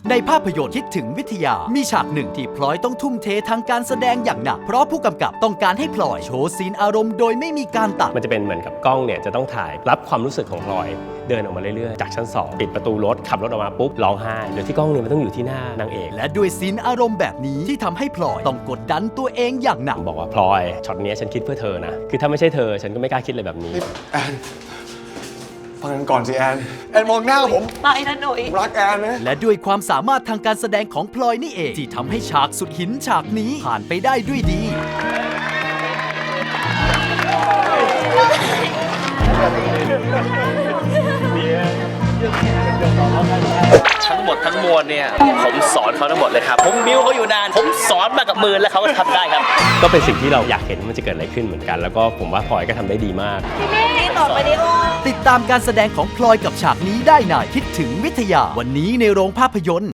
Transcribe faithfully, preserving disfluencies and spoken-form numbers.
ในภาพยนตร์คิดถึงวิทยามีฉากหนึ่งที่พลอยต้องทุ่มเททางการแสดงอย่างหนักเพราะผู้กำกับต้องการให้พลอยโชว์ซีนอารมณ์โดยไม่มีการตัดมันจะเป็นเหมือนกับกล้องเนี่ยจะต้องถ่ายรับความรู้สึกของพลอยเดินออกมาเรื่อยๆจากชั้นสองปิดประตูรถขับรถออกมาปุ๊บร้องไห้โดยที่กล้องเนี่ยมันต้องอยู่ที่หน้านางเอกและด้วยซีนอารมณ์แบบนี้ที่ทำให้พลอยต้องกดดันตัวเองอย่างหนักบอกว่าพลอยช็อตนี้ฉันคิดเพื่อเธอนะคือถ้าไม่ใช่เธอฉันก็ไม่กล้าคิดอะไรแบบนี้แอนฟังกันก่อนสิแอนแอนมองหน้าผมไม่นะหนุ่ยรักแอนนะและด้วยความสามารถทางการแสดงของพลอยนี่เองที่ทำให้ฉากสุดหินฉากนี้ผ่านไปได้ด้วยดีทั้งหมดทั้งมวลเนี่ยผมสอนเขาทั้งหมดเลยครับผมบิ้วเขาอยู่นานผมสอนมากับมือแล้วเขาก็ทำได้ครับก็เป็นสิ่งที่เราอยากเห็นมันจะเกิดอะไรขึ้นเหมือนกันแล้วก็ผมว่าพลอยก็ทำได้ดีมากนี่ต่อไปดิโอติดตามการแสดงของพลอยกับฉากนี้ได้ในคิดถึงวิทยาวันนี้ในโรงภาพยนตร์